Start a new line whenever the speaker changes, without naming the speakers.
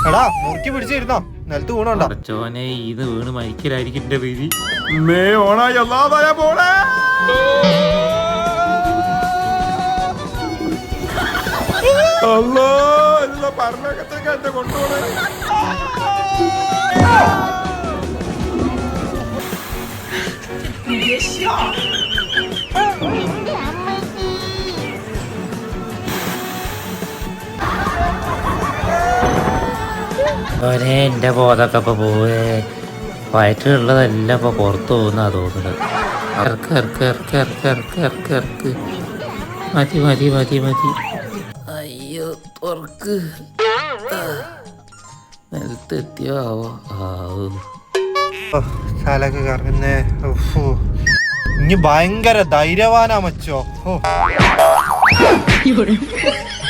എടാ മുറുക്കി പിടിച്ചിരുന്നോ, നിലത്ത് വീണോണ്ടോ?
ചോനെ ഇത് വീണ് മരിക്കലായിരിക്കും എന്റെ പേര്. ഓണായി അല്ലാതായ പോണേ. അല്ലോ പറഞ്ഞൊക്കെ എന്റെ കൊണ്ടുപോണേ. എന്റെ ബോധമൊക്കെ ഇപ്പൊ പോവേ. വയറ്റിലുള്ളതെല്ലാം ഇപ്പൊ പുറത്തു പോകുന്നാ തോന്നുന്നത്. ഇറക്ക് ഇറക്ക് ഇറക്ക് ഇറക്ക് ഇറക്ക് ഇറക്ക് ഇറക്ക്. മതി മതി മതി മതി. അയ്യോ തുറക്ക്. നിലത്തെത്തിയോ ആവോ.
തലക്ക് കറങ്ങുന്നേ. ഇനി ഭയങ്കര ധൈര്യവാനാ മച്ചോ.